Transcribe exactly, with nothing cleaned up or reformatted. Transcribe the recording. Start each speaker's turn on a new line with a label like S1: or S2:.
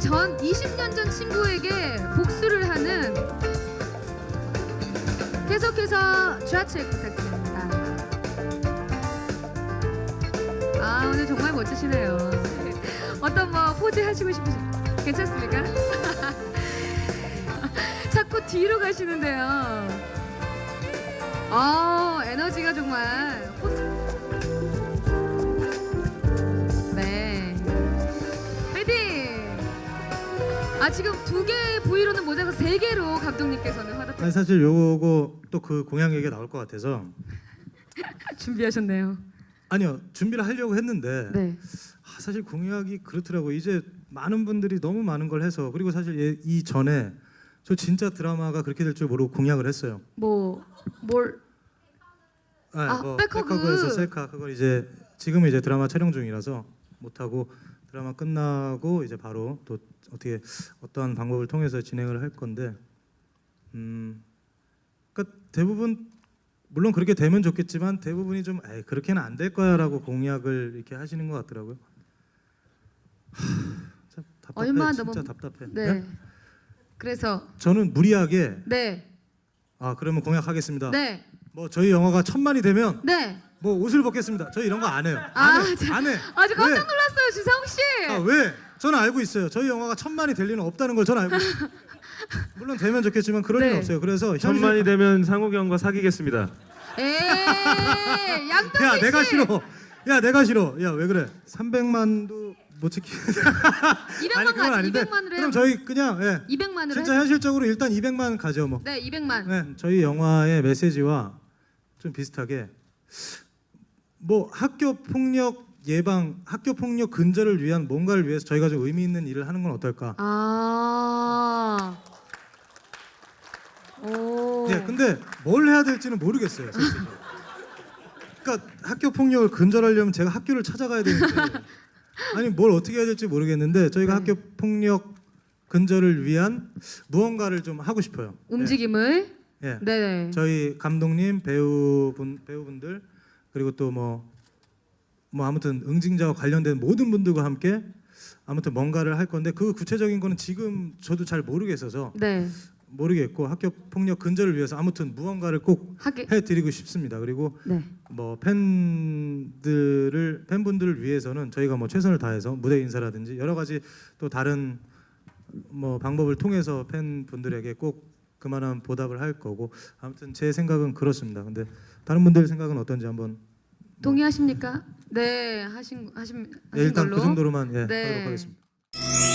S1: 전 이십 년 전 친구에게 복수를 하는 계속해서 좌측 부탁드립니다. 아, 오늘 정말 멋지시네요. 어떤 뭐 포즈 하시고 싶으신 괜찮습니까? 자꾸 뒤로 가시는데요. 아, 에너지가 정말 네. 파이팅! 아, 지금 두 개의 부위로는 모자가 세 개로 감독님께서는 화답.
S2: 아니, 사실 요거 또 그 공약 얘기가 나올 것 같아서
S1: 준비하셨네요.
S2: 아니요, 준비를 하려고 했는데
S1: 네.
S2: 아, 사실 공약이 그렇더라고. 이제 많은 분들이 너무 많은 걸 해서, 그리고 사실 이 전에 저 진짜 드라마가 그렇게 될 줄 모르고 공약을 했어요.
S1: 뭐 뭘?
S2: 네,
S1: 아,
S2: 뭐
S1: 백허그.
S2: 백허그에서 셀카, 그걸 이제 지금은 이제 드라마 촬영 중이라서 못 하고 드라마 끝나고 이제 바로 또 어떻게 어떠한 방법을 통해서 진행을 할 건데, 음, 그러니까 대부분 물론 그렇게 되면 좋겠지만 대부분이 좀 에이, 그렇게는 안 될 거야라고 공약을 이렇게 하시는 것 같더라고요. 하, 참 답답해.
S1: 얼마
S2: 진짜
S1: 넘어-
S2: 답답해.
S1: 네.
S2: 네?
S1: 그래서
S2: 저는 무리하게
S1: 네.
S2: 아 그러면 공약하겠습니다.
S1: 네.
S2: 뭐 저희 영화가 천만이 되면
S1: 네.
S2: 뭐 옷을 벗겠습니다. 저희 이런 거 안 해요.
S1: 아,
S2: 안 해.
S1: 자,
S2: 안 해.
S1: 아주 깜짝
S2: 왜?
S1: 놀랐어요, 주상욱 씨.
S2: 아, 왜? 저는 알고 있어요. 저희 영화가 천만이 될 리는 없다는 걸 저는 알고 있어요. 물론 되면 좋겠지만 그럴
S1: 네.
S2: 리는 없어요. 그래서 현실...
S3: 천만이 되면 상욱이 형과 사귀겠습니다.
S1: 에이, 양동근
S2: 야,
S1: 씨.
S2: 내가 싫어. 야, 내가 싫어. 야, 왜 그래? 삼백만도 못 지키.
S1: 이백만
S2: 그건
S1: 가지.
S2: 아닌데.
S1: 이백만으로 해요.
S2: 그럼 저희 그냥 예.
S1: 이백만으로
S2: 진짜
S1: 해요?
S2: 현실적으로 일단 이백만 가죠, 뭐.
S1: 네, 이백만.
S2: 네, 저희 영화의 메시지와 좀 비슷하게 뭐 학교 폭력 예방, 학교 폭력 근절을 위한 뭔가를 위해서 저희가 좀 의미 있는 일을 하는 건 어떨까?
S1: 아. 오.
S2: 네, 근데 뭘 해야 될지는 모르겠어요, 솔직히. 그러니까 학교 폭력을 근절하려면 제가 학교를 찾아가야 되는데 아니 뭘 어떻게 해야 될지 모르겠는데 저희가
S1: 네.
S2: 학교 폭력 근절을 위한 무언가를 좀 하고 싶어요.
S1: 움직임을.
S2: 예.
S1: 네.
S2: 예.
S1: 네.
S2: 저희 감독님, 배우분, 배우분들 그리고 또 뭐 뭐 아무튼 응징자와 관련된 모든 분들과 함께 아무튼 뭔가를 할 건데 그 구체적인 거는 지금 저도 잘 모르겠어서
S1: 네.
S2: 모르겠고 학교 폭력 근절을 위해서 아무튼 무언가를 꼭
S1: 하게.
S2: 해드리고 싶습니다. 그리고
S1: 네.
S2: 뭐 팬들을 팬분들을 위해서는 저희가 뭐 최선을 다해서 무대 인사라든지 여러 가지 또 다른 뭐 방법을 통해서 팬분들에게 꼭 그만한 보답을 할 거고 아무튼 제 생각은 그렇습니다. 근데 다른 분들 생각은 어떤지 한번
S1: 동의하십니까? 네, 하신 하신 하신
S2: 예, 일단
S1: 걸로.
S2: 그 정도로만 예,
S1: 네.
S2: 하도록 하겠습니다.